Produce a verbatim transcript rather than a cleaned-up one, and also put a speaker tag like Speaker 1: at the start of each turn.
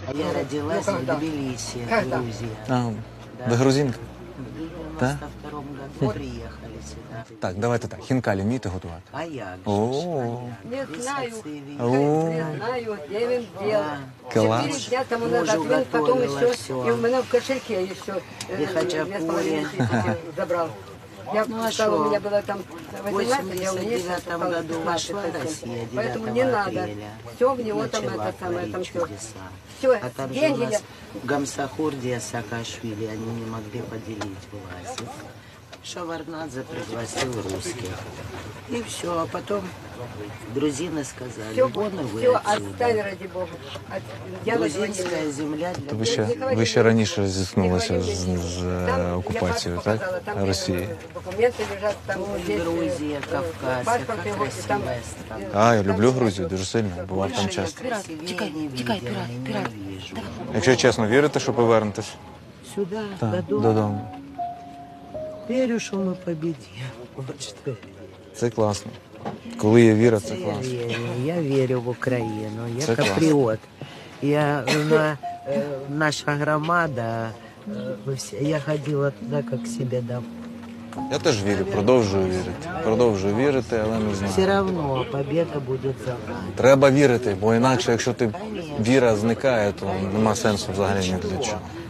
Speaker 1: А я родилась в Тбилиси, Грузия.
Speaker 2: А, ви грузинка?
Speaker 1: В девяносто втором году приехали сюда.
Speaker 2: Так, давайте так. Хінкалі вмієте готувати?
Speaker 1: А як же
Speaker 2: О.
Speaker 1: ж, а
Speaker 3: Не
Speaker 1: як?
Speaker 3: знаю.
Speaker 1: Рисоцевий.
Speaker 2: О,
Speaker 3: Не знаю, я им делал.
Speaker 2: класс.
Speaker 3: Четыре дня тому
Speaker 1: Мужу
Speaker 3: назад, він потом
Speaker 1: готовила
Speaker 3: еще,
Speaker 1: всё.
Speaker 3: и у меня в кошельке еще
Speaker 1: И
Speaker 3: э,
Speaker 1: хачапури.
Speaker 3: две с половиной тысячи забрал. Я
Speaker 1: Ну, а
Speaker 3: сказала,
Speaker 1: шо?
Speaker 3: у меня было там
Speaker 1: В
Speaker 3: восемнадцать, я у
Speaker 1: восемьдесят
Speaker 3: меня
Speaker 1: девятом
Speaker 3: осталось
Speaker 1: году вошла
Speaker 3: пятнадцать.
Speaker 1: Россия,
Speaker 3: Поэтому не
Speaker 1: девятого
Speaker 3: надо.
Speaker 1: апреля.
Speaker 3: Все в него там
Speaker 1: Начала
Speaker 3: это самое, там
Speaker 1: творить
Speaker 3: все.
Speaker 1: чудеса.
Speaker 3: Все,
Speaker 1: А там же у
Speaker 3: деньги я...
Speaker 1: нас Гамсахурдия, Саакашвили, они не могли поделить власть. Шаварнадзе пригласил русских. И все, а потом грузины сказали,
Speaker 3: Все,
Speaker 1: вон и вы
Speaker 3: все,
Speaker 1: отсюда.
Speaker 3: отстань, ради Бога. От- Я на твоей
Speaker 1: Грузинская земля для
Speaker 2: ви ще, ви ще раніше зіткнулися з, з е, окупацією, так? Росії.
Speaker 3: Документы лежат, там есть,
Speaker 1: Грузия,
Speaker 3: э,
Speaker 1: Кавказ,
Speaker 3: паспорт
Speaker 1: как
Speaker 3: его, и там,
Speaker 1: красивая страна.
Speaker 2: А, я люблю Грузію дуже сильно, бував там часто.
Speaker 1: Красивее не видела, ненавижу.
Speaker 2: Якщо чесно, вірите, що повернетесь?
Speaker 1: Сюда,
Speaker 2: Так,
Speaker 1: додому.
Speaker 2: додому.
Speaker 1: Верю, що ми победим. Вот что я
Speaker 2: Це класно. Коли є віра, це
Speaker 1: Я
Speaker 2: класно.
Speaker 1: верю, я верю в Україну, я
Speaker 2: Це класно.
Speaker 1: патріот. Я, на, э, наша громада, э, вы все- я ходила туди, як себе домой.
Speaker 2: Я теж вірю, продовжую вірити. Продовжую вірити, але не знаю.
Speaker 1: Все равно победа буде за нами.
Speaker 2: Треба вірити, бо інакше, якщо ти віра зникає, то нема сенсу взагалі ні для чого.